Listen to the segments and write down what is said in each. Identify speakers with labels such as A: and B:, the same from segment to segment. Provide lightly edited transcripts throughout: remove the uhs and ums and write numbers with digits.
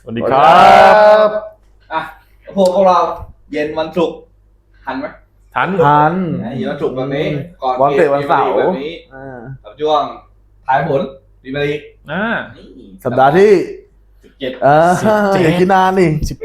A: สวัสดีครับ
B: อ่ะพวกเราเย็นวันศุกร์ทันไหม
A: ทัน
B: เย็นวันศุกร์แบบนี้ก่อน
C: วันเตะวันเสาร์
B: แบบนี้กับช่วงท้ายผลพรีเมียร์ลีก นี่
C: สัปดาห์ที่
B: 17
C: อย่าคิดนานนี่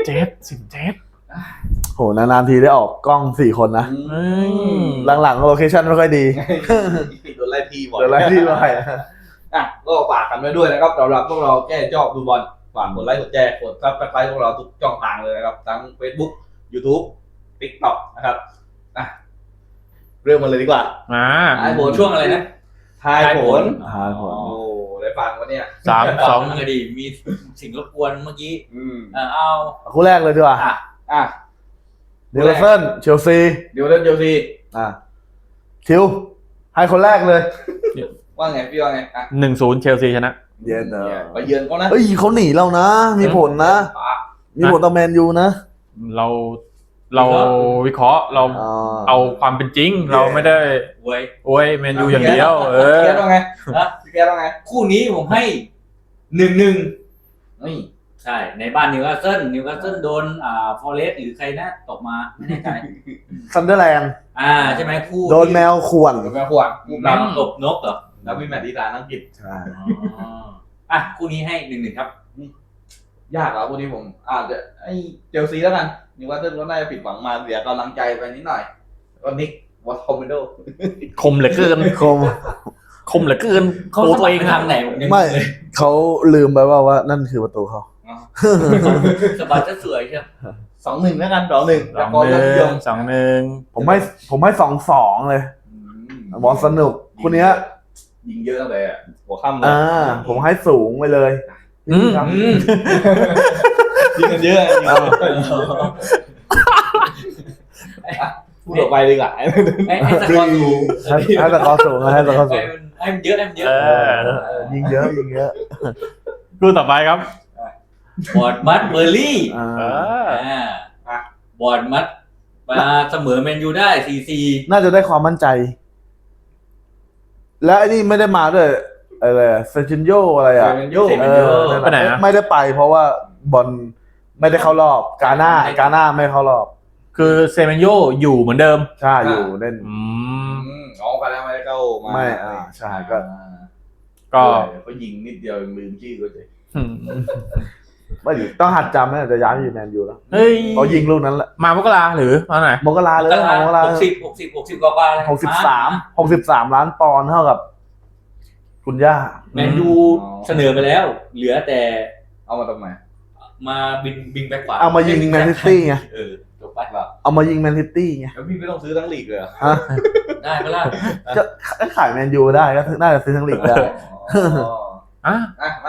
A: 17
C: โหนานๆทีได้ออกกล้อง4 คนนะ หลังๆโลเคชั่นไม่ค่อยดี
B: โดนไล่ที่บ่อย
C: เดี๋ยวไล่ที่ไป
B: ก็ฝากกันไว้ด้วยนะครับสำหรับพวกเราแก้จอบดูบอลฝากกดไลค์กดแชร์กดซับสไครต์พวกเราทุกช่องทางเลยนะครับทั้ง Facebook YouTube TikTok นะครับเริ่มมาเลยดีกว่า ทายผลช่วงอะไรนะทายผล
C: ทายผล
B: โอ้ได้ฟังวะเนี่ย
A: 3-2
D: เลยดิมีสิ่งรบกวนเมื่อกี้เอา
C: คู่แรกเลยดีกว่า
B: อ่ะ
C: นิวคาสเซิลเชลซี
B: เดี๋ยวเล่นเชลซี
C: คิวให้คนแรกเลย
B: ว่าไงพี่ว่าไง
A: 1-0 เชลซีชนะ
C: เย็น
B: ไปเยือนเขานะ
C: เอ้ยเขาหนีเรานะ มีผลนะ มีผลต่อแมนยูนะ
A: เราวิเคราะห์เราเอาความเป็นจริง เราไม่ได้
D: เว้ย
A: โอ้ยแมนยูอย่างเดียว
B: พี่แกว่าไง
D: นะ
B: พี่แกว่าไง
D: คู่นี้ผมให้1-1
B: นี่
D: ใช่ในบ้านนิวคาสเซิลโดนฟอเรสต์หรือใครนะตกมาไม่แน่ใจ
C: ซันเดอร์แลนด์
D: ใช่ไหมคู่
C: โดนแมวข่วน
B: เดี๋ยวแม่ขวด
D: แมวตบนกเหรอ
B: แล้วมีแมตช์ดีตาอังกฤษ
C: ใช่
D: คู่นี้ให้1-1ครับ
B: ยากเหรอพวกนี้ผมอาจจะไอ้เชลซีแล้วกันนิวคาสเซิลก็น่าจะผิดหวังมาเสียกำลังใจไปนิดหน่อยก็นิกวอตคอมเมโด
A: คมเหลือเกิน คมเหลือเกิน
D: เขา
A: ตัว
D: ส
A: ตัว
D: มั
A: เอ
D: ค
A: ง
D: รทางไหนผมยัง
C: ไม่เขาลืมไปว่านั่นคือประตูเขา
D: สบายจะสวยใช่ไหม
B: 2-1แล้วกัน2-1แล้วก็ยอดเยี่ยม
A: 2-1
C: ผมให้2-2เลยบอลสนุกคู่เนี้ย
B: ยิงเยอะเลยอ่ะหัวค่ำเลย
C: ผมให้สูงไปเลย ครับ
B: ยิงกันเยอะยิงกันเยอะพูดต่อไปดีกว่า
D: ไอ้สกอร์สูง
C: ให้ตะกอสูงให้ตะกอสูง
D: ให้มันเยอะให้มันเยอะ
C: ยิงเยอะยิงเยอะ
A: คู่ต่อไปครับ
D: บอร์ดมัดเบอร์ลี่ บอร์ดมัดมาเสมอแมนยูได้ 4-4
C: น่าจะได้ความมั่นใจ แล้วไอ้นี่ไม่ได้มาด้วยอะไรเซจินโยอะไรอ่ะ
B: เซนโย
A: ไปไหนนะ
C: ไม่ได้ไปเพราะว่าบอลไม่ได้เข้ารอบกาหน้าไม่เข้ารอบ
A: คือเซเมนโยอยู่เหมือนเดิม
C: ใช่อยู่เล่น
B: อ๋อกันแล้วไม่ได้เข้ามา
C: ไม่ใช่ก็
A: ก็
B: เขายิงนิดเดียวลืมชื่อก็เลย
C: ไม่อยู่ต้องหัดจำนะจะย้ายไปอยู่แมนยูแล้ว
A: เฮ้ย
C: เขายิงลูกนั้นแหละ
A: มามกราหรือมาไหน
C: มกราเลยเอามกรา
D: 60 กว่าเลย
C: 63 ล้านปอนด์เท่ากับคุณย่า
D: แมนยูเสนอไปแล้ว เหลือแต่
B: เอามาทำไม
D: มาบิงแบ็คขวา
C: เอามายิงแมนซิตี้ไง
D: จบไป
C: เอามายิงแมนซิตี้ไง
B: แล้วพี่ไม่ต้องซื้อทั้งลีกเลยเหรอ
C: ฮะ
D: ได้ไหมล่ะ
C: จะขายแมนยูได้ก็น่าจะซื้อทั้งลีกได้
A: อ่ะ
B: มา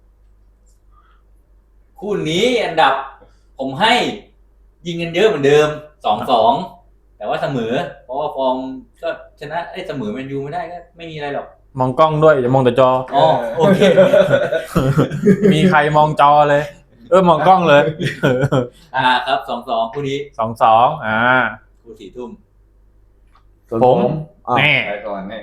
D: คู่นี้อันดับผมให้ยิงกันเยอะเหมือนเดิม 2-2 แต่ว่าเสมอ เพราะว่าฟอร์มก็ชนะเสมอแมนยูไม่ได้ก็ไม่มีอะไรหรอก
A: มองกล้องด้วยอย่ามองแต่จอ
D: อ๋อโอเค
A: มีใครมองจอเลย มองกล้องเลย
D: ครับ 2-2 คู่นี้
A: 2-2
D: คู่4 ทุ่ม
C: ส่วน
A: ผม แน่
B: ไปก่อนแน่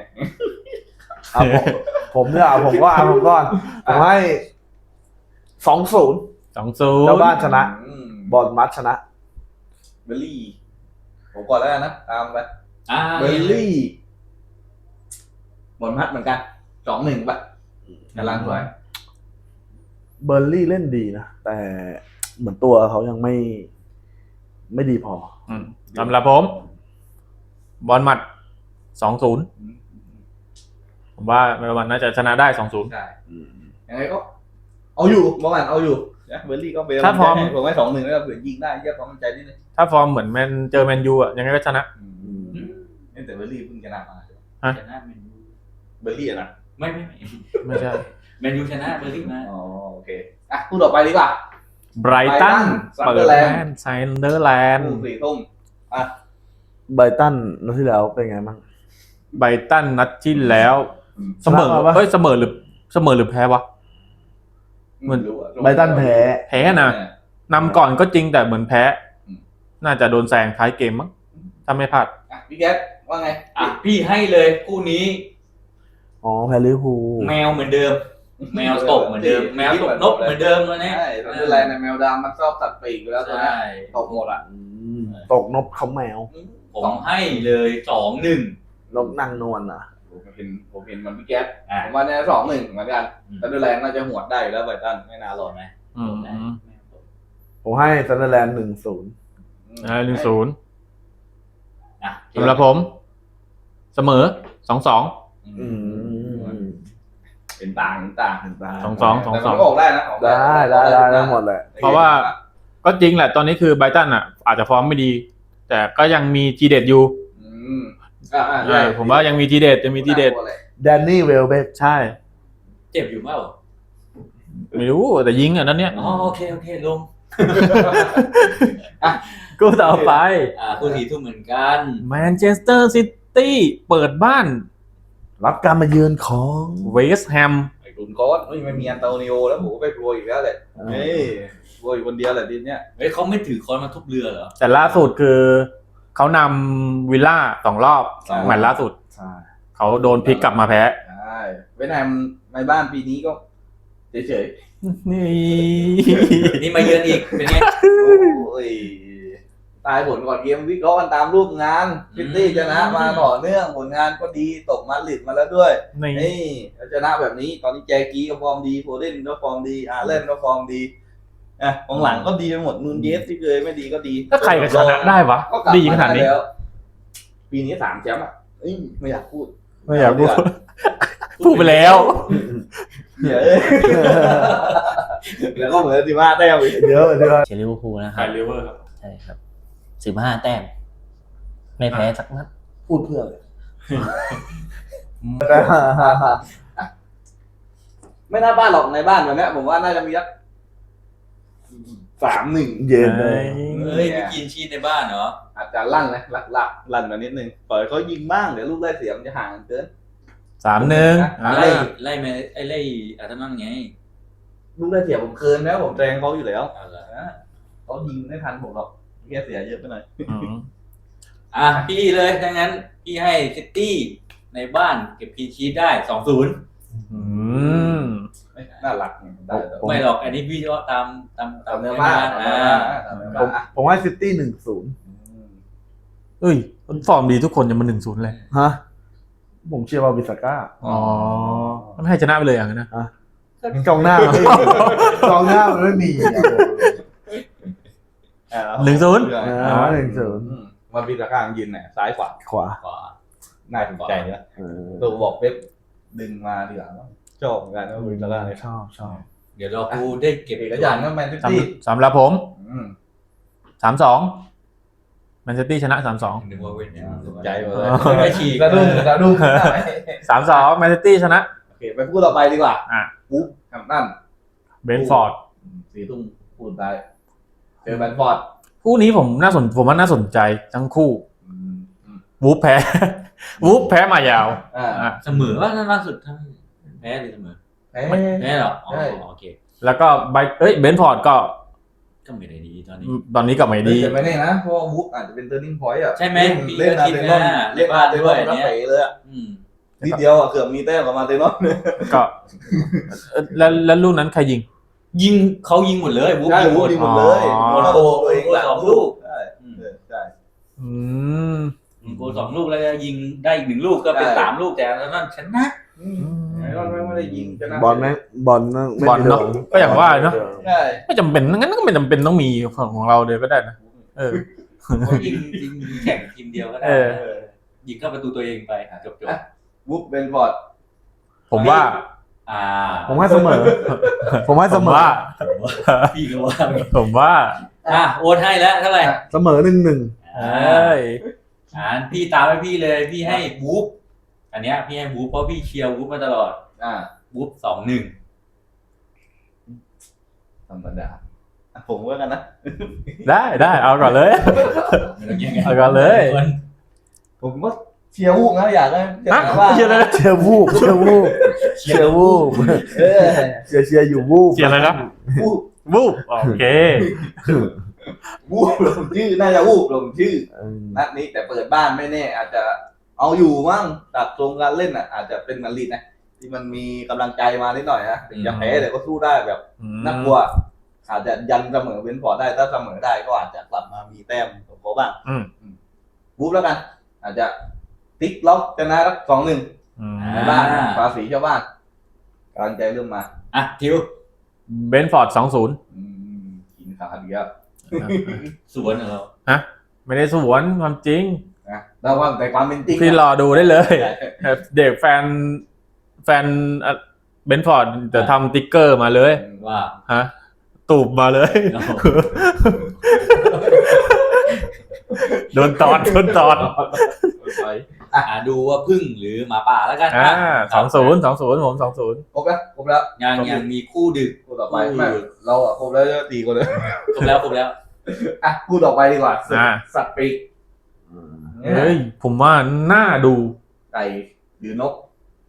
C: ผมเนี่ยผมก็ผมก่อนผมให้ 2-0
A: 2-0
C: เจ้าบ้านชนะ บอลมัดชนะ
B: เบลลี่ผมก่อนแล้วกันนะตามไป
C: เบลลี่
B: บอลพัดเหมือนกัน2-1ป่ะกำลังสวย
C: เบอร์ลี่เล่นดีนะ แต่เหมือนตัวเขายังไม่ดีพอ
A: สำหรับผม บอลหมัด 2-0 ผมว่าเมลวันน่าจะชนะได้ 2-0
B: ใช่ยังไงก็เอาอยู่เมื่อวานเอาอยู่นะเบลลี่ก็เป็น
A: ถ้าพร้อม
B: ผมให้2-1แล้วเผื่อยิงได้เยอะความมั่นใจนิดนึง
A: ถ้าฟอร์มเหมือนเจอแมนยูอ่ะยังไงก็ชนะ
B: แต่เบลลี่เพิ่งชนะมา
D: ชนะแมนยู
B: เบลลี่อะนะ
D: ไม่
A: ไม่ใช่
D: แมนยูชนะเบอร์ลี่มา
B: อ๋อโอเคคู่ต่อไปดีกว่า
A: ไบรตัน
B: Brighton
A: เปิดบ้านซันเดอร์แลนด์
B: คู่4 ทุ่ม
C: ไบรตันนัดที่แล้วเป็นไงบ้าง
A: ไบรตันนัดที่แล้วเสมอ
C: ชนะปะ
A: เสมอหรือแพ้วะ
B: ไม่รู้อะ
C: ไบรตันแพ้
A: แพ้นะนำก่อนก็จริงแต่เหมือนแพ้ น่าจะโดนแซงท้ายเกมมั้งถ้าไม่พลาด
B: พี่แก๊สว่าไง
D: พี่ให้เลยคู่นี้
C: อ๋อแพ้ลิเวอร์พูล
D: แมวเหมือนเดิมแมวตกเหมือนเดิม แมวตกนกเหมือนเดิมแล้วเนี่ย
B: ใช่ซันเดอร์แลนด์ในแมวดำมันชอบสัตว์ปีกอยู่แล้วตัว
D: ใช่
B: เนี้ยตกหมดอ่ะ
C: ตกนกเขาแมว
D: ผมให้เลย2-1
C: นกนางนวลอ่ะ
B: ผมเห็นมันพี่แก๊ส
D: อ่ะ
B: ผมว่าเนี่ย2-1เหมือนกันซันเดอร์แลนด์น่าจะหวดได้อยู่แล้วไบรตันไม่น่ารอด
D: ไหม
A: อืม
C: ผมให้ซันเดอร์แลนด์1-0
A: 1-0
D: อ่ะ
A: สำหรับผม เสมอ 2-2
C: อืม
B: เป็นต่าง
C: เห็นตา
A: 2-2
B: แต่มันก็ออกได้นะออก
C: ได้หมดแหละ
A: เพราะว่า ก็จริงแหละตอนนี้คือไบรตันอ่ะ อาจจะฟอร์มไม่ดี แต่ก็ยังมีทีเด็ดอยู่
B: อืมใช่
A: ผมว่ายังมีทีเด็ดยังมีทีเด็ด
C: แดนนี่เวลเบก
A: ใช่
D: เจ็บอยู่เปล่า
A: ไม่รู้แต่ยิงอ่ะนั่นเนี่ย
D: อ๋อโอเคลง
A: กูต่อไป
D: คู่สีทุ่มเหมือนกัน
A: แมนเชสเตอร์ซิตี้เปิดบ้าน
C: รับการมาเยือนของ
A: เวสต์แฮม
B: ไอ้กุนโค้ดไม่มีอันโตนิโอแล้วผมก็ไปกลัวอีกแล้วแหละเฮ้ยกลัวอยู่คนเดียวแหละทีเนี้ย
D: เฮ้ยเขาไม่ถือค้อนมาทุบเรือเหรอ
A: แต่ล่าสุดคือเขานำวิลล่า2 รอบแมตช์ล่าสุด
C: ใช่ เขา
A: เขาโดนพลิกกลับมาแพ้
B: ใช่เวียดนามในบ้านปีนี้ก็เฉย
A: นี่
D: นี่มาเยือนอีกเป็นไง
B: ๆโอ้ยตายผลก่อนเกมวิเคราะห์กันตามรูปงานซิตี้ชนะมาต่อเนื่องผลงานก็ดีตกมาดริดมาแล้วด้วย
A: นี่
B: นี่ชนะแบบนี้ตอนนี้แจกี้ก็ฟอร์มดีโฟเดนก็ฟอร์มดีอาร์เลนก็ฟอร์มดีของหลังก็ดีไปหมดนูนเยสที่เคยไม่ดีก็ดี
A: ถ้าใครก็ชนะได้วะ
B: ก็กลับ
A: ดีขนาดนี้
B: แล้วปีนี้3 แชมป์อ่ะไม่อยากพูด
A: ไม่อยากพูดพูดไปแล้ว
B: เดี๋ยวแล้วก็เหมือนที่ว่าแต้มอีก
C: เดี๋ยว
E: เชียร์ลิเวอร์พูลนะค
A: ใคร
E: รับ
A: ลิเวอร์ครับ
E: ใช่ครับ15 แต้ม ไม่แพ้สักนัด
C: พูดเพื่อเลย
B: ไม่น่าบ้านหรอกในบ้านแบบนี้ผมว่าน่าจะมีสัก3-1
C: เย็นเลย
D: เฮ้ยไม่กินชีสในบ้านเหรอ
B: อาจจะลั่นนะลักลั่นมานิดนึงปล่อยเขายิงบ้างเดี๋ยวลูกได้เสียมันจะห่างกันเกิน
A: 3-1
D: ไล่มาไล่อาร์เซนอลไง
B: ลูกได้เสียผมเกินแล้วผมแซงเขาอยู่แล้ว
D: เอาเหรอ
B: เขายิงไม่ทันผมหรอกแค่เสียเยอะไปหน่อย
D: พี่เลยดังนั้นพี่ให้ซิตี้ในบ้านเก็บพีชีสได้ 2-0
B: น่ารักได้แต่
D: ไม่หรอกอันนี้พี่ก็ตาม
B: เนื้อบ้าน
C: ผมให้ซิตี้1-0
A: เอ้ยฟอร์มดีทุกคนจะมา1-0เลย
C: ฮะ ผมเชียร์บาบิสก้า
A: อ๋อไม่ให้ชนะไปเลยอย่างนั้นนะ
C: กองหน้า กองหน้ามันไม่มีอ่ะ
B: มันมีตะกร้างยินเนี่ยซ้ายขวา
C: ขวา
D: ขวา
B: น่าสนใจนะตัวบอกเป๊ปดึงมาทีหลังชอบเหมือนกันว่ามีตะกร้างเนี่ย
C: ชอบ
D: เดี๋ยวเรากูได้เก็บ
B: เอกอย่างนั้นแมนซิตี้
A: สำหรับผม 3-2 แมนซิตี้ชนะ 3-2
D: นึกว่าเว้นเนี่ย
B: ใจหมดเลย
D: ไม่ฉีก
B: กระดุ้ง
A: 3-2 แมนซิตี้ชนะ
B: โอเคไปพูดต่อไปดีกว่า ปุ๊บแฮมตัน
A: เบนฟอร์ด
B: 4 ทุ่มพูดได้เจอแบนฟอร์ด
A: คู่นี้ผมว่าน่าสนใจทั้งคู่วูฟแพ้ วูฟแพ้มายาว
D: เสมอว่าล่าสุดทั้งแพ้หรือเสมอ แพ้เหรออ๋อโอเค
A: แล้วก็เบนฟอร์ดก็
D: ก็ไม่ได้ดีตอนนี้
A: ตอนนี้กลับมาดี
B: แต่ไม่แน่นะเพราะว่าบุ๊กอาจจะเป็น turning point อ่ะ
D: ใช่ไหม
B: เล่นอาร์เซนอลเล่นอาร์เซนอลแล้วเป๋เลยอ่ะ
D: อืม
B: นิดเดียวอ่ะเกือบมีแต้มกับอาร์เซนอล
A: ก็แล้วลูกนั้นใครยิง
D: เขายิงหมดเลยบุ๊ก
B: ใช่
D: ยิงหม
B: บุ๊ก
D: ด
B: ยิงหมดเลย
A: อ๋อ
B: โมนาโกตัวเองหลัง
D: 2 ลูก
B: ใช่ใช่
A: อืม
D: โกล2 ลูกแล้วก็ยิงได้อีก1 ลูกก็เป็น3 ลูกแต่แล้วนั่นชนะ
B: ไอ้รอนไม่ได้ยิงชนะ
C: บอลแม่งบอลนั่งไม่
A: บอล
C: มี
A: เนาะก็อย่างว่าเนาะ
B: ใช่
A: ไม่จำเป็นงั้นก็ไม่จำเป็นต้องมีของเราเลยก็ได้นะเออ
D: เขายิงแข่งทีมเดียวก็ได้
A: เออ
D: ยิงเข้าประตูตัวเองไปจบ
B: บุ๊กเบนฟอร์ด
A: ผมว่า
C: ผมให้เสมอ ผมให้เสมอ
D: พี่ก็ว่า
A: ผมว่า
D: โอนให้แล้วเท่าไหร่
C: เสมอ1-1
A: เอ้ย
D: พี่ตามให้พี่เลยพี่ให้บุ๊กอันเนี้ยพี่ให้บุ๊กเพราะพี่เชียร์บุ๊กมาตลอดบุ๊ก2-1
B: ธรรมดาผมก็กันนะ
A: ได้เอาก่อนเลย เอาก่อนเลย
B: ผมก็เชียร์วูกนะอยากได้
A: เชียร์เลย
C: เชียร์วูบเชียร์วูบเชียร์วูบเชียร์อยู่วูบ
A: เชียร์อะไรนะ
B: วูก
A: วูบโอเค
B: วูกลงชื่อน่าจะวูกลงชื่อนัดนี้แต่เปิดบ้านไม่แน่อาจจะเอาอยู่มั้งตัดตรงการเล่นอ่ะอาจจะเป็นมาดริดนะที่มันมีกำลังใจมานิดหน่อยนะถึงจะแพ้แต่ก็สู้ได้แบบ น่ากลัวอาจจะยันเสมอเว้นพอร์ตได้ถ้าเสมอได้ก็อาจจะกลับมามีแต้มของเขาบ้างบู๊แล้วกัน อาจจะติ๊กล็อกชนะสัก2-1ในบ้านภาษีชาวบ้านกำลังใจเริ่มมา
D: อ่ะทิว
A: เบนฟอร์ด2-0
B: กินขาดีครับ
D: สวนเหรอ
A: ฮะไม่ได้สวนความจริง
B: นะแต่ว่าแต่ความเป็นจริง
A: พี่รอดูได้เลย เด็กแฟนเบนฟอร์ดจะทำติ๊กเกอร์มาเลย
D: ว่า
A: ฮะตูบมาเลย โดนตอด
D: ดูว่าพึ่งหรือหมาป่าแล้วกัน
A: 2-0ผม2-0
B: ครบแล้ว
D: ยังมีคู่ดึก
B: คู่ต่อไปไม่เราครบแล้วจะตีกันเลย
D: ครบแล้ว
B: คู่ต่อไปดีกว่าสัตว์ปีก
A: เฮ้ยผมว่าน่าดู
B: ไก่หรือนก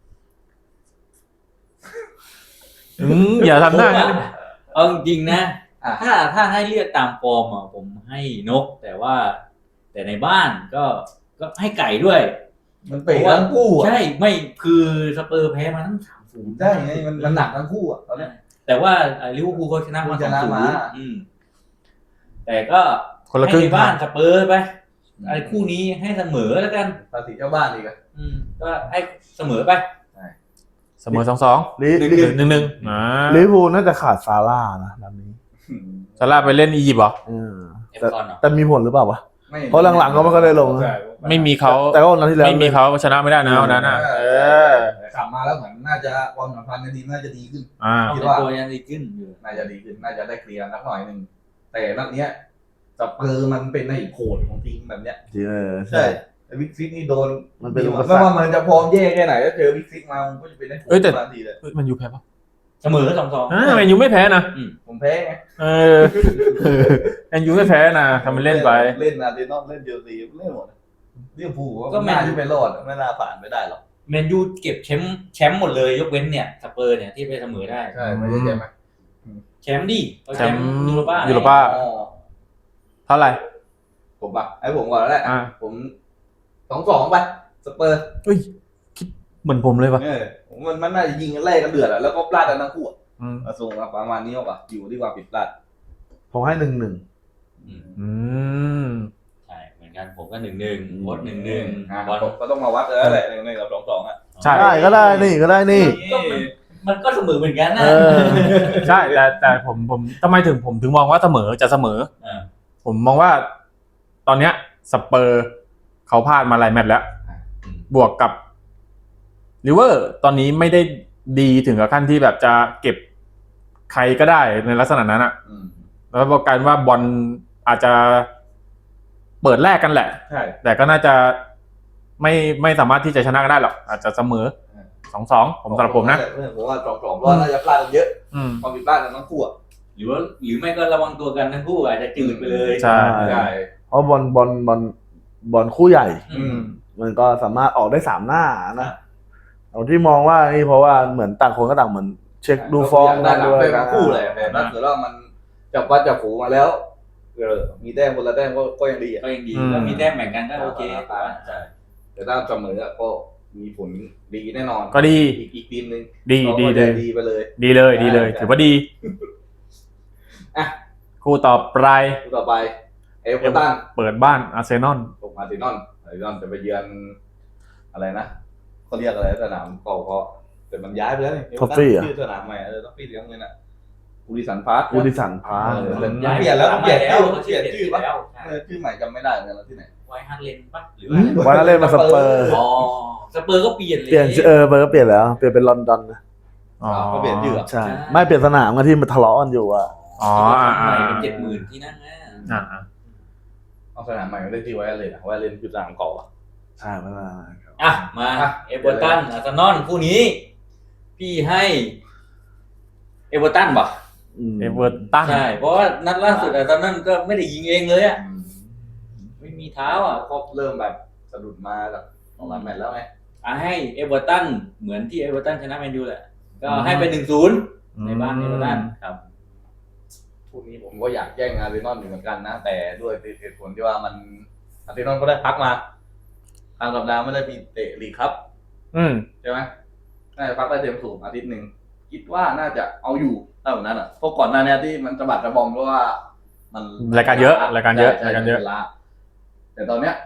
A: อย่าทำหน้างั้น
D: เอาจริงๆนะ
B: อ่ะ
D: ถ้าให้เลือกตามฟอร์มอ่ะผมให้นก แต่ในบ้านก็ให้ไก่ด้วย
B: มันเป๋ทั้งคู่อ่ะ
D: ใช่ไม่คือสเปอร์แพ้มาทั้ง3-0
B: ใช่ไงมันหนักทั้งคู่อ่ะตอนนี้
D: แต่ว่าลิเวอร์พูลเขาชนะมา
B: ชนะมา
D: 2-0แต่ก็
A: คนละครึ่ง
D: ให้ในบ้านสเปอร์ไปไอ้คู่นี้ให้เสมอแล้วกัน
B: ภาษีเจ้าบ้านดีกัน
D: ก็ให้เสมอไป
A: เสมอ 2-2
C: ลิ
A: 1-1
C: ลิเวอร์พูลน่าจะขาดซาร่านะนัดนี้
A: ซาร่าไปเล่นอียิปต์เหรอ
C: แต่มีผลหรือเปล่าวะ เพราะหลังๆก็ไม่ค่อยได้ลงนะ
A: ไม่มีเขา
C: แต่ก็วันนั้นที่แล้ว
A: ไม่มีเขาชนะไม่ได้นะวันนั้นน่ะ
B: กลับมาแล้วเหมือนน่าจะความสัมพันธ์กันดีน่าจะดีขึ้น
D: คิดว่าตัวยังดีขึ้นอยู่
B: น่าจะดีขึ้นน่าจะได้เคลียร์นักหน่อยหนึ่งแต่นัดเนี้ยสเปอร์มันเป็นในโขดของทีมแบบเนี้ย
C: ใช่
B: วิกซิกนี่โดน
C: มันเป็น
B: ไม่ว่ามันจะพร้อมแย่แค่ไหนก็เจอวิกซิกมามันก็จะเป็นในโขดทันทีเลย
A: มันยูแพ้ปะ
D: เสมอ 2-2
A: มันยูไม่แพ้นะ
B: ผมแพ้ไง
A: มันยูไม่แพ้นะทำมันเล่นไป
B: เล่นอาร์เซนอลเล่นเชลซีเล่นหมดลิเวอร์พูลก็ไม่น่าจะไปรอดไม่น่าผ่านไม่ได้หรอก
D: แมนยูเก็บแชมป์หมดเลยยกเว้นเนี่ยสเปอร์เนี่ยที่ไปเสมอได้
B: ใช่ไม่ได้ใช่ไหม
D: แชมป์ดิเขาแชมป์
A: แชมป์
D: ยูโรป้า
A: ยูโรป้า เท่าไหร่
B: ผมอ่ะให้ผมก่อนแล้วแหละผม2-2ไปสเปอร์
A: คิดเหมือนผมเลยปะ
B: มันน่าจะยิงกันแรกกันเดือดแล้วก็พลาดกันทั้งคู่ส่งประมาณนี้หรออยู่ที่ความผิดพลาด
C: ผมให้1-1
D: ใช่เหมือนกันผมก็1-1วด1-1บอล
B: ก็ต้องมาวัดแล้วแหละ1-1กับ2-2อ่ะ
A: ใช่
C: ได้ก็ได้นี่ก็ได้นี่
D: มันก็เสมอเหมือนกันนะ
A: ใช่แต่ผมทำไมผมถึงมองว่าเสมอจะเสมอ ผมมองว่าตอนเนี้ยสเปอร์เขาพลาดมาหลายแมตช์แล้ว บวกกับลิเวอร์ตอนนี้ไม่ได้ดีถึงกับขั้นที่แบบจะเก็บใครก็ได้ในลักษณะนั้นอ่ะแล้วบอกกันว่าบอลอาจจะเปิดแรกกันแหละ
B: ใช่
A: แต่ก็น่าจะไม่สามารถที่จะชนะกันได้หรอกอาจจะเสมอ 2-2ผมสำหรับผมนะ
B: ผมว่า2-2เพราะน่าจะพลาดกันเยอะความผิดพลาดกันทั้งคู่
D: หรือไม่ก็ระวังตัวกันทั้งคู่อาจจะจืดไปเลย
A: ใช่
C: เพราะบอลคู่ใหญ่ มันก็สามารถออกได้3หน้านะเอาที่มองว่านี่เพราะว่าเหมือนต่างคนก็ต่างเหมือนเช็คดูฟอร์ม
B: ได้
C: กันด้วย
B: ทั้งคู่เลยแต่ถ้าเกิดว่ามันจับวัดจับฝูมาแล้วมีแต้มคนละแต้มก็ยังดีอ่ะ
D: ก็ยังดีแล้วมีแต้มแบ่งกันก็โอเค
B: ใช่แต่ถ้าเสมอก็มีผลดีแน่นอน
A: ก็ดี
B: อีกทีมนึง
A: ดีเลย
B: ดีไปเลย
A: ดีเลยถือว่าดี
B: อ่ะ
A: คู่ต่อไป
B: คู่ต่อไปเอเวอร์ตัน
A: เปิดบ้านอาร์เซนอล
B: ส่งอาร์เซนอลจะไปเยือนอะไรนะเขาเรียกอะไรสนามเก่าเขาแต่มันย้ายไปแล้วนี่ชื่อสนามใหม่ท็อฟฟี่เลี้ยงเลยนะกูดิสันพาร์ค
C: ยูดิสันพาร์ค
D: ย้าย
B: เปลี่ยนแล้วเปลี่ยนชื่อ
D: เขา
B: เปลี่ยนชื่อปะ
D: แล้ว
B: ชื่อใหม่จำไม่ได้เลยแล้วที่ไหน
D: ไวท์ฮาร์ดเลนปะหรือ
C: วันนั้นเล่นมาสเปอร์
D: อ๋อสเปอร์ก็เปลี่ยนเลย
C: เปลี่ยนเบอร์ก็เปลี่ยนแล้วเปลี่ยนเป็นลอนดอนนะ
B: ก็เปลี่ยนชื่อ
C: ใช่ไม่เปลี่ยนสนามกันที่มันทะเลาะกันอยู่อ่ะ
D: เป็น70,000ที่นั่ง
B: เอาสนามใหม่มาเล่นที่ไว้เลยนะไว้เล่นคือสนามเก่าอ่ะ
C: ใช่ไม่มา
D: มาเอเวอร์ตันอาร์เซนอลคู่นี้พี่ให้เอเวอร์ตันป่ะ
A: เอเวอร์ตัน
D: ใช่เพราะว่านัดล่าสุดอาร์เซนอลก็ไม่ได้ยิงเองเลยอ่ะไม่มีเท้าอ่ะ
B: ก็เริ่มแบบสะดุดมาจาก2-3แมตช์แล้วไง
D: ให้เอเวอร์ตันเหมือนที่เอเวอร์ตันชนะแมนยูแหละก็ให้ไป1-0ในบ้านเอเวอร์ตันครับ
B: คู่นี้ผมก็อยากแย่งอาร์เซนอลอยู่เหมือนกันนะแต่ด้วยเหตุผลที่ว่ามันอาร์เซนอลก็ได้พักมาทางสัปดาห์ไม่ได้มีเตะลีกครับใช่ไหมน่าจะพักได้เต็มสูบอาทิตย์หนึ่งคิดว่าน่าจะเอาอยู่ได้แบบนั้นอ่ะเพราะก่อนหน้านี้ที่มันจะบัดระบอมเพราะว่ามัน
A: รายการเยอะรายการเยอะ
B: ใช่
A: รายการเยอะ
B: ล้าแต่ตอนเนี้ย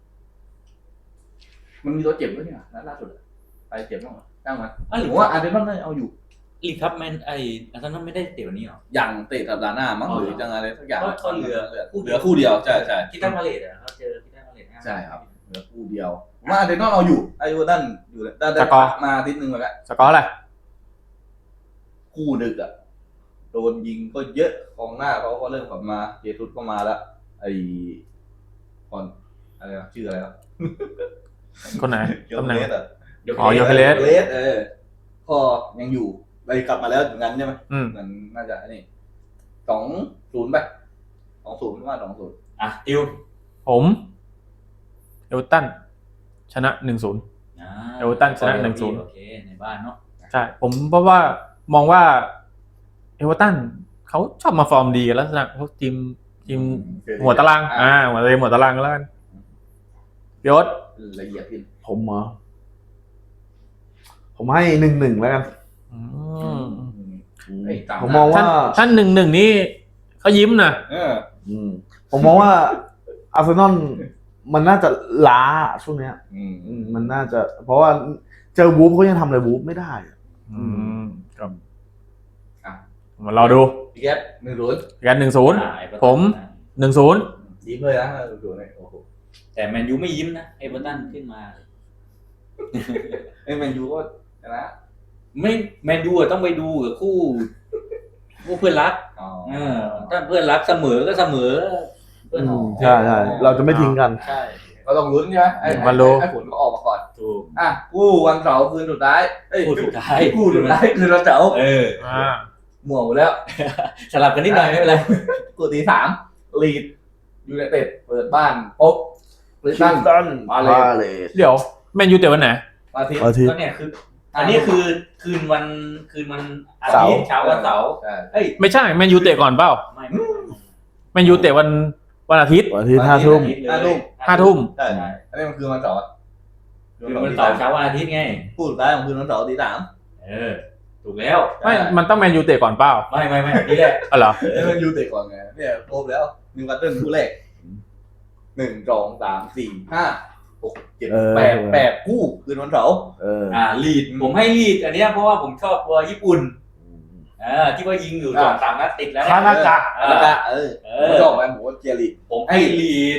B: มันมีตัวเจ็บด้วยเนี่ยล่าสุดอะไปเจ็บบ้างไหมตั้งไหมผมว่าอาร์เซนอลน่าจะเอาอยู่
D: ลีกครับแมนอาร์เซนอลไม่ได้เตะวันนี้หรอ
B: อย่างเตะสัปดาห์หน้ามั้ง
D: อ๋อ
B: หรือจังอะไรสักอย่าง
D: ก็เหลือ
B: เหลือคู่เดียวใช่ใช่
D: คิดตั้งพาเลตเขาเจอคิดตั้งพาเลต
B: ใช่ครับเหลือคู่เดียวผมว่าอาร์เซนอลเอาอยู่ไอ้วัวด้านอยู่ด้าน
A: สกอร์
B: มาอาทิตย์หนึ่งมาแล้ว
A: สกอร์อะไร
B: คู่ดึกอ่ะโดนยิงก็เยอะกองหน้าเขาก็เริ่มกลับมาเจสุสก็มาแล้วไอ้คนอะไรนะชื่ออะไรครับ
A: คนไหน
B: เกียว
A: ตำแหน่ง
B: เลสอ่ะ
A: อ๋อ Gyökeres
B: เลสก็ยังอยู่ไปกลับมาแล้วอย่างนั้นใช่ไหม
A: อืม
B: เหมือนน่าจะอันนี้2-0ไป2-0ว่า2-0
D: อ่ะติว
A: ผมเอเวอร์ตันชนะ 1-0 เอเวอร์ตันชนะ 1-0
D: โอเคในบ้านเนาะ
A: ใช่ผมเพราะว่ามองว่าเอเวอร์ตันเขาชอบมาฟอร์มดีกันลักษณะเขาทีมหัวตารางหัวตารางแล้วกันยศ
B: ละเอียดขึ้น
C: ผมเหรอผมให้1-1แล้วกัน
A: อืม
B: เอ้ยตาม
C: ผมมองว่า
A: ท่าน1-1นี่เขายิ้มนะ
C: อืมผมมองว่าอาร์เซนอลมันน่าจะล้าช่วงเนี้ย มันน่าจะ เพราะว่าเจอวูฟเขายังทำอะไรวูฟไม่ได้อะ
A: ครับ
B: อ่ะ
A: มารอดู
B: พี่แก๊ป1-0
A: กัน 1-0 ผม 1-0
B: ยิ้มเลยนะ1-0เลยโอ้โห
D: แต่แมนยูไม่ยิ้มนะเอเวอร์ตันขึ้นมา
B: ไอ้แมนยูก็ชนะ
D: ไม่แมนยูอะต้องไปดูกับคู่เพื่อนรัก
B: อ๋อ
D: ถ้าเพื่อนรักเสมอก็เสมอเพื่อน
C: ใช่ใช่เราจะไม่ทิ้งกัน
D: ใช่
B: ก็ต้องลุ้นใช่ไหมไอ้
A: มาลุ้น
B: ไอ้ผลก็ออกมาก่อน
D: ถูก
B: อ่ะคู่วันเสาร์คืนสุดท้ายเอ้ย
D: คู่สุดท้าย
B: คู่สุดท้ายคืนวันเสาร์
A: อ่า
B: หม่วหมดแล้ว
D: สลับกันนิดหน่อยไม่เป็นไร
B: คู่ที่3ลีดยูไนเต็ดเปิดบ้านพบคริสตัน มาเลย
A: เดี๋ยวแมนยูเตะวันไหน
B: อาทิตย์
C: อาทิตย์
D: ก็เนี่ยคืออันนี้คือคืนวันอาทิตย์เช้าวันเสาร์
B: ใช่
D: เอ้ย
A: ไม่ใช่แมนยูเตะก่อนเปล่า
D: ไม่
A: แมนยูเตะวันอาทิตย์
C: วันอาทิตย์5 ทุ่ม
A: 5 ทุ่ม
B: ใช่อันนี้มันคือวันเสาร์อะ
D: คืนวันเสาร์เช้าวันอาทิตย์ไง
B: คู่สุดท้ายของคืนวันเสาร์ตี
D: ถูกแล้ว
A: ไม่มันต้องแมนยูเตะก่อนเปล่า
D: ไม่นี่แหละ
A: อ๋อเหรอ
B: 3แล้วมันยูเตะก่อนไงเนี่ยครบแล้วนิวคาสเซิลคู่แรก1 2 3 4 5 6 7 8คู่คืนวันเสาร์
D: ลีดผมให้ลีดอันเนี้ยเพราะว่าผมชอบตัวญี่ปุ่นที่ว่ายิงอยู่2-3 นัดติดแล้ว
C: คานากะ
B: แล้วก็ผมชอบไหมผมว่าเจียรี
D: ผมให้ลีด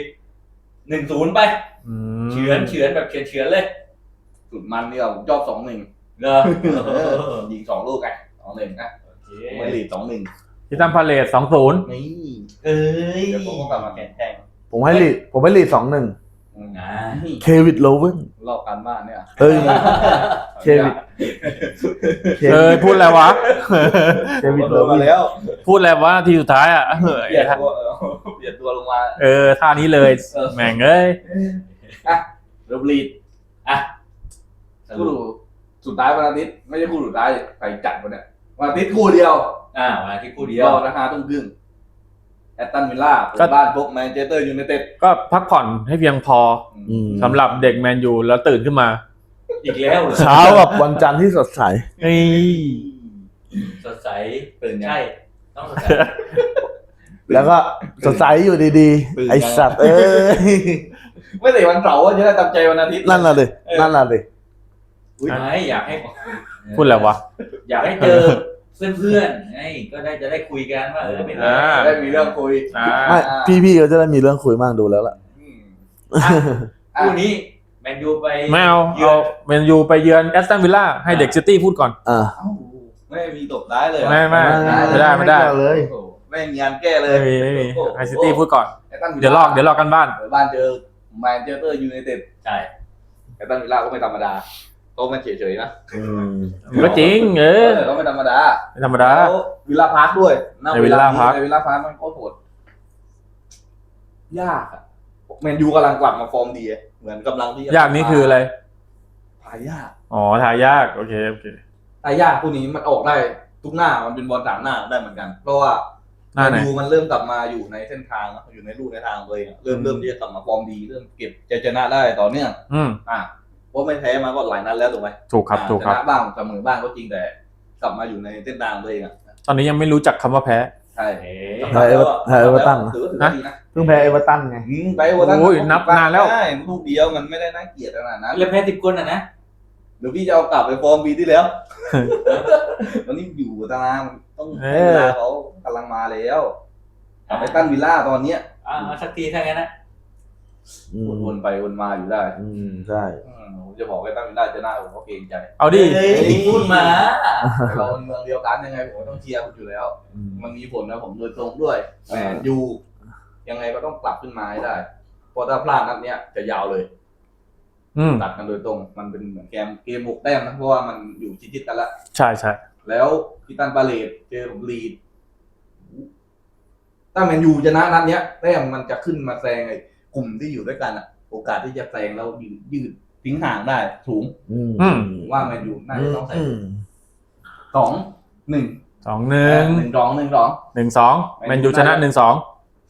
D: 1-0 ไปเฉือนแบบเฉือนเลย
B: สุดมันนี่ผมชอบ2-1
D: เหรอ
B: ยิง2 ลูกไง2-1นะผมให้ลีด2-1
A: ที่ตั้มพาเลท2-0
B: นี่
D: เอ้ย
B: เดี๋ยวผมก็กลับมาแข่ง
C: ผมให้ลีด2-1
B: นี่
C: เควิดโลเวน
B: รอบการบ้านเนี่ย
C: เฮ้ยเควิด
A: พูดอะไรวะ
C: เควิด
B: โด
C: โล
B: น
C: เว
B: มาน แล้ว
A: พูดอะไรวะทีสุดท้ายอ่ะ
B: เปลี่ยนตัวเปลี่ยนตัวลงมา
A: ท่านี้เลยแม่งเอ้ย
B: เริ่มลีด
D: อ่ะ
B: คู่สุดท้ายวันอาทิตย์ไม่ใช่คู่สุดท้ายไปจัดวันเนี่ยวันอาทิตย์คู่เดียว
D: วันอาทิตย์คู่เดีย
B: ร
D: ว
B: อราคาทุ่มครึ่งแอตตันวิลล่าเปิดบ้านพบแมนเชสเตอร์ยูไนเต็ด
A: ก็พักผ่อนให้เพียงพอสำหรับเด็กแมนยูแล้วตื่นขึ้นมา
D: อีกแล้วเหรอ
C: เช้ากับวันจันทร์ที่สดใส
A: นี่
D: สดใส
B: ตื่นยัง
D: ใช่ต้องสดใส
C: แล้วก็สดใสอยู่ดีๆ ไอสัตว์
B: ไม่แต่วันเสาร์จะได้ตามใจวันอาทิตย์
C: นั่นน่ะดินั่นน่ะดิ
D: ไม่อยากให้
A: พูดอะไรวะ
D: อยากให้เจอเพื่อนๆไงก็จะได้คุยกันว่าเป็นไง
B: ได้มีเรื่องคุย
C: ไม่พี่ๆก็จะได้มีเรื่องคุยบ้างดูแล้วล่ะ
D: คู่นี้แมนยูไป
A: ไม่เอาแมนยูไปเยือนแอสตันวิลล่าให้เด็กซิตี้พูดก่อน
B: ไม่มีตบได้เลย
A: ไม่ได้
C: เลย
B: ไม่มีงานแก้เลย
A: ไม่มีให้ซิตี้พูดก่อน เดี๋ยวลอกกันบ้าน
B: เปิดบ้านเจอแมนเชสเตอร์ยูไนเต็ด
D: ใช่
B: แอตตันวิลล่าก็ไม่ธรรมดาโตมันเฉยๆนะ
A: ก็จริง
B: ก็ไม่ธรรมดา
A: ไม่ธรรมดา
B: แล้ววิลล่าพาร์คด้วย
A: ในวิลล่าพาร์ค
B: ในวิลล่าพาร์คมันโคตรโหดยากอะแมนยูกำลังกลับมาฟอร์มดีเหมือนกำลังที่
A: ยากนี่คืออะไร
B: ทายาก
A: อ๋อทายากโอเค
B: ทายากคู่นี้มันออกได้ทุกหน้ามันเป็นบอล3 หน้าได้เหมือนกัน เพราะว่า
A: หน้าไหน
B: แมนยูมันเริ่มกลับมาอยู่ในเส้นทางแล้วอยู่ในรูในทางเลยเริ่มที่จะกลับมาฟอร์มดีเริ่มเก็บใจชนะได้ต่อเนื่อง
A: อืม
B: อ่ะโปราะไม่แพ้มาก็หลายนัดแล้วถูกไหม
A: ถูกครับถูกครับ
B: ชนะบ้างเสมอบ้างก็จริงแต่กลับมาอยู่ในเส้นทางตัวเองอ่ะ
A: ตอนนี้ยังไม่รู้จักคำว่าแพ้
B: ใช่
D: เอ๊
C: แพ้เอเวอร์ตัน
B: ถือว่าถือว่าดีนะ
C: เพิ่งแพ้เอเวอร์ตันไง
B: ไปเอเวอร์ตัน
A: โอ้ยนับนานแล้ว
B: ใช่ลูกเดียวมันไม่ได้น่าเกลียดขนาดนั้น
D: แล้วแพ้10 คนอ่ะนะ
B: เดี๋ยวพี่จะเอากลับไปฟอร์มปีที่แล้ว ตอนนี้อยู่ตารางต้องให้เวลาเขากำลังมาแล้วกลับไปตั้นวิลล่าตอนเนี้ย
D: สักทีถ้างั้นนะ
B: วนไปวนมาอยู่ได้
C: ใช่
B: ผมจะบอกให้ตั้นวิลล่าจะหน้าผมก็เกรงใจ
A: เอาดิ
D: เฮ้ยพูดมา
B: แต่เราเป็นเมืองเดียวกันยังไงผมก็ต้องเชียร์คุณอยู่แล้ว มันมีผลนะผมโดยตรงด้วยแหมยูยังไงก็ต้องกลับขึ้นมาให้ได้เพราะถ้าพลาดนัดเนี้ยจะยาวเลย ตัดกันโดยตรง มันเป็นเหมือนเกม6 แต้มนะเพราะว่ามันอยู่ชิดๆกันละ
A: ใช่ใช่
B: แล้วพิตันปาเลตเจอกับลีดถ้าแมนยูชนะนัดเนี้ยแต้มมันจะขึ้นมาแซงไอ้กลุ่มที่อยู่ด้วยกันอะโอกาสที่จะแซงแล้วยืดทิ้งห่างได้สูงว่าแมนยูน่าจะต้องแซง2-1
A: 2-1
B: 1-2
A: 1-2แมนยูชนะ 1-2
B: ใช่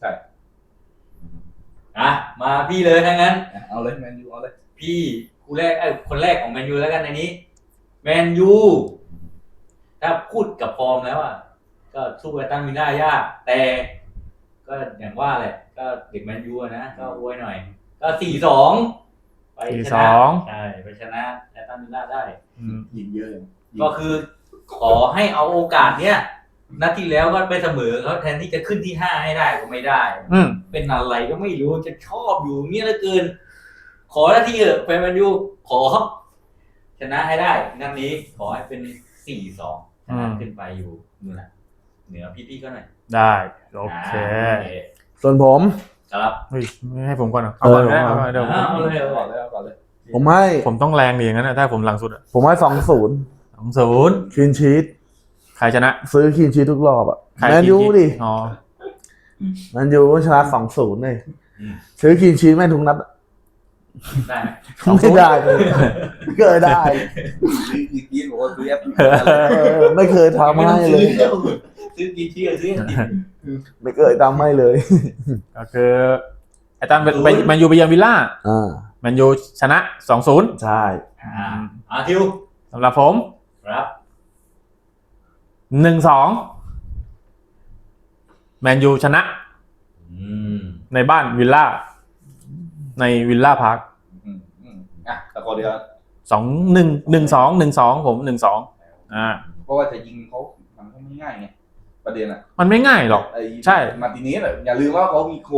D: มาพี่เลยถ้างั้น
B: เอาเลยแมนยูเอาเลย
D: พี่คู่แรกคนแรกของแมนยูแล้วกันในนี้แมนยูถ้าพูดกับฟอร์มแล้วอ่ะก็สู้กับตั้งวิลล่ายากแต่ก็อย่างว่าแหละก็เด็กแมนยูนะก็อวยหน่อยก็ 4-2 ไปชนะใช่ไปชนะแต่ตั้งวิลล่าได้
B: ยิงเยอะ
D: ก็คือขอให้เอาโอกาสเนี้ยนัดที่แล้วก็ไปเสมอเขาแทนที่จะขึ้นที่ 5ให้ได้ก็ไม่ได้เป็นอะไรก็ไม่รู้จะชอบอยู่เงี้ยเหลือเกินขอหน้าที่เถอะแฟนแมนยูขอชนะให้ได้นัดนี้ขอให้เป็น 4-2 ชนะขึ้นไปอยู่นู่นน่ะเหนือพี่ๆก็หน่อย
A: ได้โอเค
C: ส่วนผม
D: ครับ
A: เฮ้ยไม่ให้ผมก่อนเหรอเอาก่อนก็ได้เอาก่อนเดี๋ยว
D: เอาเลย
B: ก่อนเลยก่อนเลย
C: ผมให้
A: ผมต้องแรงดีอย่างนั้นนะถ้าผมหลังสุดอ่ะ
C: ผมให้2-0
A: 2-0
C: คลีนชีต
A: ใครชนะ
C: ซื้อคลีนชีตทุกรอบอ่ะ
A: ใคร
C: แมนยูดิ
A: อ๋อ
C: แมนยูชนะ 2-0เลยซื้อคลีนชีตแม่งทุกนัด
D: ได้ไหม
C: ไม่ได้เลยไม่เคยได้
B: อีกทีบอกว่าซื้อแอป
C: ไม่เคยทำให้เลย
D: ซื้อกี่ที่ซื้อ
C: ไม่เคยทำให้เลย
A: ก็คือไอ้ตันเป็นแมนยูไปเยือนวิลล่าแมนยูชนะ 2-0
C: ใช่
D: ทิว
A: สำหรับผม
D: ครับ
A: 1-2แมนยูชนะในบ้านวิลล่าในวิลล่าพาร์ค
B: ตะโกนเดียว
A: 1-2ผม 1-2
B: เพราะว่าจะยิงเขามันก็ไม่ง่ายไงประเด็นอ่ะ
A: มันไม่ง่ายหรอกใช่
B: มาร์ติเนสอย่าลืมว่าเขามีโค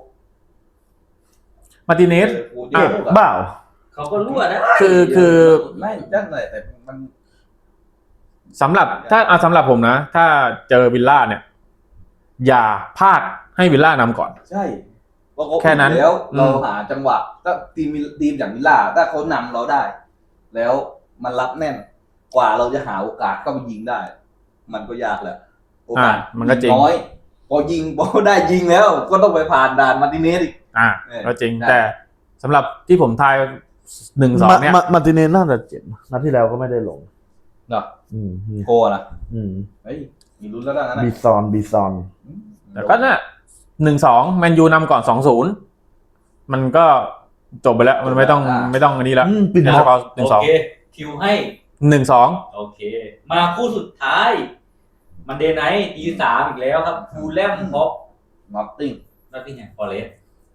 A: มาร์ติเนส
B: เจ็บ
C: เปล่า
D: เขาก็รั่วนะ
A: คือ
B: ไม่ด้านไหนแต่มัน
A: สำหรับสำหรับผมนะ ถ้าเจอวิลล่าเนี่ย อย่าพลาดให้วิลล่านำก่อน
B: ใช่เพราะเขา
A: แค่นั้น
B: แล้วเราหาจังหวะถ้าทีมอย่างวิลล่าถ้าเขานำเราได้ แล้วมันรับแน่นกว่าเราจะหาโอกาสเข้าไปยิงได้ มันก็ยากแหละโอกาส
A: มันก็จริง
B: น้อยพอได้ยิงแล้ว ก็ต้องไปผ่านด่านมาร์ติเนสอีก
A: ก็จริงแต่สำหรับที่ผมทาย 1-2เนี่ย
C: มาร์ติเนสน่าจะเจ็บนัดที่แล้วก็ไม่ได้ลง
B: เนาะโคนะเฮ้ยมีลุ้นแล้วนะ
C: บีซอน
A: แต่ก็เนี่ย1-2แมนยูนำก่อน 2-0มันก็จบไปแล้วมันไม่ต้องอันนี้แล้ว
C: ปิด
A: แค่
C: ม็
A: ส
C: อก
A: กอร์
D: โอเคทิวให้
A: 1-2
D: โอเค มาคู่สุดท้ายมันเดย์ไนท์ตี 3อีกแล้วครับฟูลแลมพบ
B: นอตติ้ง
D: นอตติงแฮมฟอเรสต์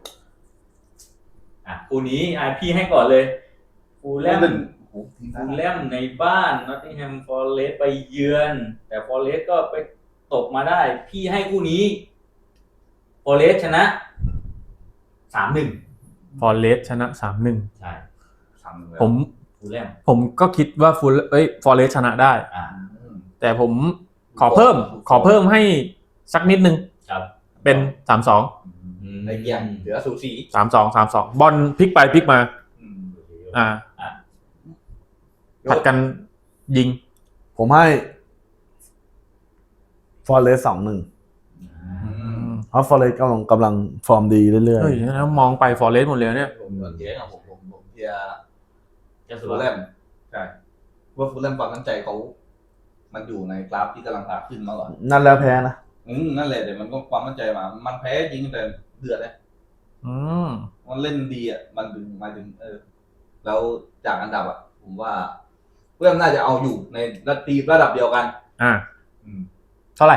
D: คู่นี้พี่ให้ก่อนเลยฟูลแลมในบ้านนอตติงแฮมฟอเรสต์ไปเยือน แต่ฟอเรสต์ก็ไปตกมาได้ พี่ให้คู่นี้ฟอเรสต์ชนะ 3-1
A: ฟอเรสชนะ 3-1
D: ใช่
A: ผม
D: ฟูลแลม
A: ก็คิดว่าฟอเรสชนะได้ แต่ผมขอเพิ่มให้สักนิดนึง
D: ครับ
A: เป็น 3-2
B: ในเกียงเหลือสูสี
A: 3-2 บอลพลิกไปพลิกมาผัดกันยิง
C: ผมให้ฟอร์เรส2-1เพราะฟอร์เรสกำลังฟอร์มดีเรื่อย
A: เฮ้ยแล้วมองไปฟอเรสหมดเลยเนี่ย
B: ผมเทียร์ผมเทียร์
D: จะสุ
B: ฟู
D: ด
B: ลแลมใช่ว่าฟูลแลมความมั่นใจเขามันอยู่ในกราฟที่กำลังขาขึ้นมาก่อน
C: ๆนั่นแล้วแพ้นะ
B: นั่นแหละแต่มันก็ความมั่นใจมามันแพ้จริงแต่เดือดเลยมันเล่นดีอ่ะมันถึงหมายถึงแล้วจากอันดับอ่ะผมว่าเพื่อนน่าจะเอาอยู่ในระดับเดียวกัน
A: อ่าเท่าไหร่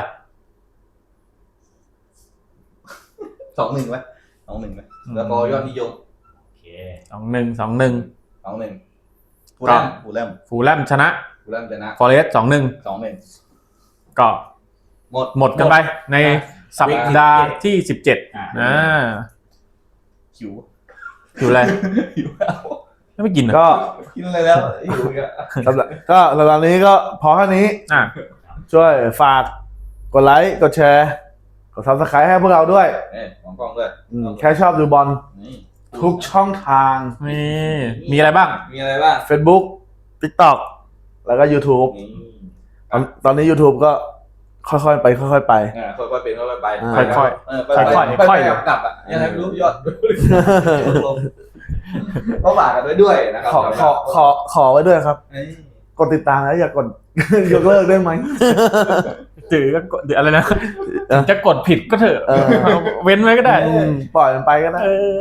B: 2-1ไหม2-1ไหมแล้วก็ยอดนิยม
D: โอเค
A: 2-1
B: 2-1ฟูลแลม
A: ฟูลแลมชนะ
B: ชนะ
A: ฟอเรสต์ 2-1
B: 2-1
A: ก็
B: หมด
A: กันไปในสัปดาห์ที่ 17
D: อ่า
A: อ่า
B: หิว
A: อยู่อะไร
B: หิวแล้ว
A: ไม่กินเหรอ
C: ก็
B: กินอะไรแล้วหิวอีกอะ
C: สำหรับนี้ก็พอแค่นี้
A: อ่ะ
C: ช่วยฝากกดไลค์กดแชร์กด Subscribe ให้พวกเราด้วย
B: มองกล้องด้วย
C: แค่ชอบดูบอล
B: นี่
C: ทุกช่องทาง
A: นี่มีอะไรบ้าง
B: มีอะไรบ้าง
C: Facebook TikTok แล้วก็ YouTube
B: นี่
C: ตอนนี้ YouTube ก็ค่อยๆไปค่อยๆไป
B: ค่อยๆเป็นค่อยๆไป
A: ค่อย
B: ๆค่อยๆกลับอ่ะยังไงไม่รู้ยอดลงก็ฝากกันไว้ด้วยนะครับ
C: ขอไว้ด้วยครับ
B: เอ้ย
C: กดติดตามแล้วอย่ากด ยกเลิกได้ไหม
A: ถือก็กดอะไรนะจะกดผิดก็เถอะ
C: เออ
A: เว้นไว้ก็ได้
C: ปล่อยมันไปก็ได้
A: เออ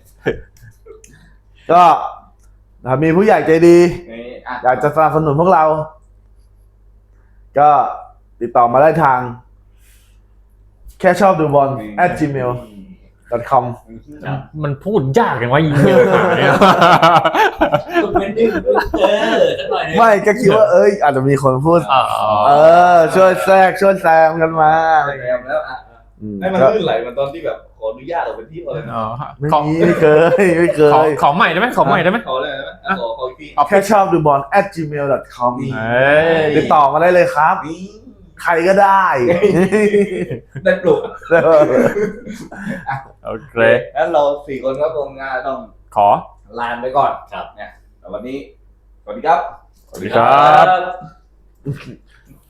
C: ก็ถ้ามีผู้ใหญ่ใจดี
B: นี่
C: อยากจะสนับสนุนพวกเรา ก็ติดต่อมาได้ทาง แค่ชอบดูบอล @gmail.com
A: มันพูดยากอย่างว่าอีเมลหาเนี่ย
D: คุณเป็นดึงสักหน่อยนึง
C: ไม่ก็คิดว่าอาจจะมีคนพูด ช่วยแทรกช่วยแซมกันมาอะไรอย่างเงี้ย
B: แล้วอ่ะ ให้มันลื่นไหลมันตอนที่แบบขออนุญาตเราเป็นที่อะไรนะ
A: อ๋อ
C: ไม่
A: ขอ
C: มีไม่เคย
A: ขอใหม่ได้ไหมขอใหม่ได้ไหม
B: ขอเลยนะขออีกที
C: แค่ชอบดูบอล @gmail.com
B: นี่
A: เอ้ย
C: ติดต่อมาได้เลยครับ
B: นี่
C: ใครก็ได้
B: ได้ปลุก
A: โอเค
B: งั้นเรา4 คนก็คงต้อง
A: ขอ
B: ลาไปก่อนครับเนี่ยแต่วันนี้สวัสดีครับ
A: สวัสดีครับ